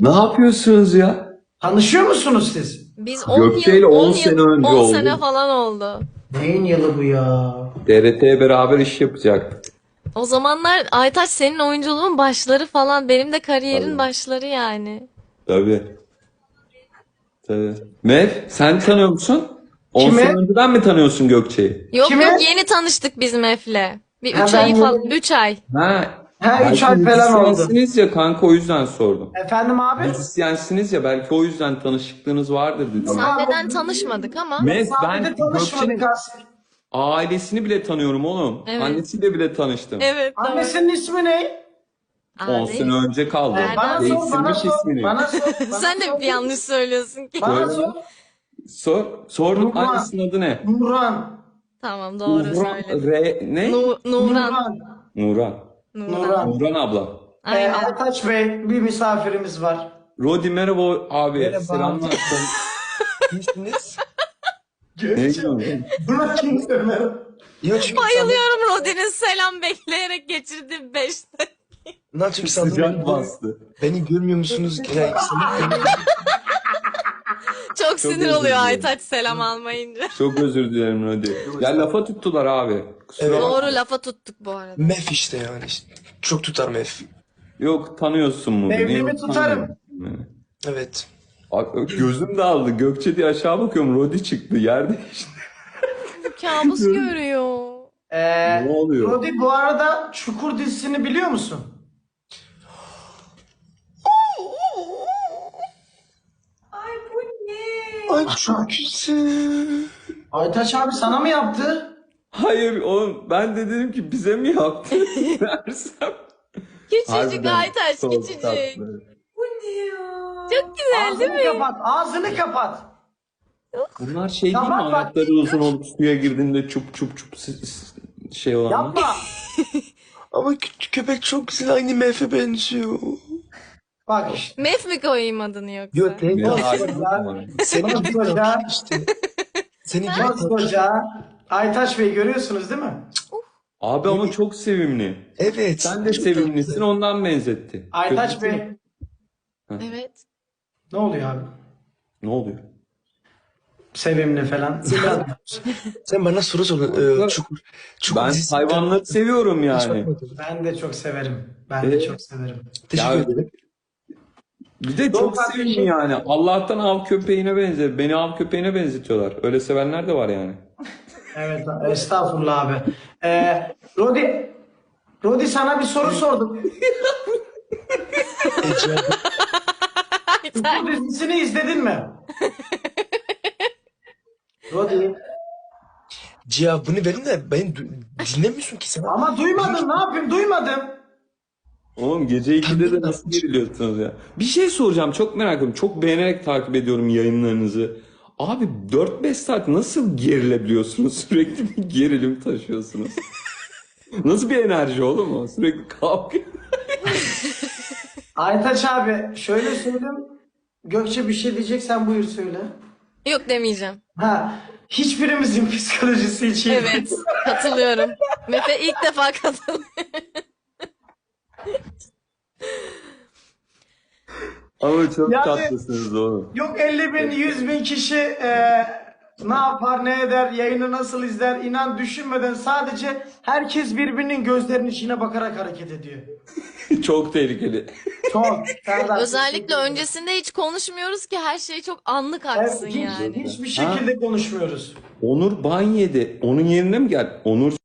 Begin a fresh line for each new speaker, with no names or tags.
Ne yapıyorsunuz ya?
Tanışıyor musunuz siz?
Biz 10
Gökçe ile
yıl,
10
10
sene
yıl,
önce
10
oldu.
sene falan oldu.
Neyin yılı bu ya?
TRT'ye beraber iş yapacaktık.
O zamanlar Aytaç senin oyunculuğun başları falan, benim de kariyerin
Tabii.
başları yani.
Tabii. Tabii. Mev, sen tanıyor musun? 10
Kimi?
sene önceden mi tanıyorsun Gökçe'yi?
Yok
Kime?
yok, yeni tanıştık biz Mef'le. Bir
Ha,
3
ben
ayı falan,
yeni-
3 ay.
Ha,
Ha, 3
belki
ay falan oldu.
müzisyensiniz ya kanka, o yüzden sordum.
Efendim abi?
Müzisyensiniz ya, belki o yüzden tanışıklığınız vardır dedim.
Sahneden tanışmadık ama.
Mev,
Sahnede
ben
tanışmadık
Gökçe'nin
aslında.
ailesini bile tanıyorum oğlum.
Evet.
Annesiyle bile tanıştım.
Evet, doğru.
Annesinin ismi ne?
10
Abi,
sene önce kaldı.
Bana sor,
Değiştirmiş
bana sor,
ismini.
bana sor. Bana
sen de
sor.
bir yanlış söylüyorsun ki.
Bana
Söyle.
sor.
Sordum,
Nurhan.
annesinin adı ne?
Nurhan.
Tamam, doğru
Nurhan,
söyledin.
ne?
Nuran.
Nurhan.
Nuran.
Nurhan.
Nuran abla.
Aynen.
Aytaç Bey, bir misafirimiz var.
Rodi merhaba abi.
Merhaba.
Selamlar.
İyisiniz?
Ne diyorsun?
Buna kim söyler?
Yok çünkü
Bayılıyorum Rodi'nin selam bekleyerek geçirdiği 5
sandım, çünkü sandım
Sıcak bastı.
beni görmüyor musunuz? Yani sanırım
Çok sinir
özür
oluyor
dilerim.
Aytaç selam almayınca.
Çok özür dilerim Rodi. Ya lafa tuttular abi. Kusura
Evet.
bakma.
Doğru, lafa tuttuk bu arada.
mef işte yani. İşte. Çok tutar mef.
Yok, tanıyorsun mu?
Mevlimi
Niye
tutarım.
tanımıyorsun beni?
Evet.
Abi, gözüm dağıldı. Gökçe diye aşağı bakıyorum. Rodi çıktı. Yerde işte.
Kabus görüyor.
Ne oluyor?
Rodi, bu arada Çukur dizisini biliyor musun?
Ay çok güzel.
Aytaç abi sana mı yaptı?
Hayır oğlum, ben de dedim ki bize mi yaptı dersem.
Küçücük
Harbiden
Aytaç,
çok
küçücük.
tatlı.
Çok güzel değil
Ağzını
mi?
kapat, ağzını kapat.
Bunlar şey değil mi?
Tamam, bak.
Ayakları uzun olup suya girdiğinde çup çup çup şey olanlar.
Yapma.
Ama köpek çok güzel, aynı mefe benziyor.
Bak işte.
Mef mi koyayım adını yoksa?
Yok değil.
Bir
Olsun
harika
ya.
var.
Senin gibi
Koskoca-
tatlı işte. Senin gibi tatlı.
Koskoca Aytaç Bey, görüyorsunuz değil mi?
Abi ama çok sevimli.
Evet.
Sen de
çok
sevimlisin,
tatlı.
ondan benzetti.
Aytaç
Kötü
Bey,
mü?
Evet.
ne oluyor abi?
Ne oluyor?
Sevimli falan.
Sen bana soru sordun. Çukur. Çukur
Ben
dizisi-
hayvanları seviyorum
Hiç
yani.
bakmadım.
Ben de çok severim. Ben de çok severim.
Teşekkür
Ya-
ederim.
Bir de
Yok
çok
kardeşim.
sevimli yani. Allah'tan av köpeğine benzer. Beni av köpeğine benzetiyorlar. Öyle sevenler de var yani.
Evet, estağfurullah abi. Rodi sana bir soru sordum.
Ece,
Çukur dizisini izledin mi? Rodi.
cevabını verin de beni dinlemiyorsun ki sen.
Ama duymadın, ne yapayım, duymadım.
Oğlum gece 2'de de nasıl geriliyorsunuz ya? Bir şey soracağım, çok merak ediyorum. Çok beğenerek takip ediyorum yayınlarınızı. Abi 4-5 saat nasıl gerilebiliyorsunuz? Sürekli bir gerilim taşıyorsunuz. Nasıl bir enerji oğlum o? Sürekli kavga.
Aytaç abi, şöyle söyleyeyim. Gökçe bir şey diyeceksen buyur söyle.
Yok demeyeceğim.
Ha, hiçbirimizin psikolojisi için.
Evet, katılıyorum. Mefe ilk defa katılıyor.
Ama çok
Yani-
tatlısınız oğlum.
Yok 50 bin, 100 bin kişi ne yapar, ne eder, yayını nasıl izler, inan düşünmeden sadece herkes birbirinin gözlerinin içine bakarak hareket ediyor.
Çok tehlikeli.
Çok. Serdar,
Özellikle
teşekkür ederim.
öncesinde hiç konuşmuyoruz ki her şey çok anlık
Evet,
aksın yani.
hiçbir şekilde konuşmuyoruz.
Onur ban yedi. Onun yerine mi gel? Onur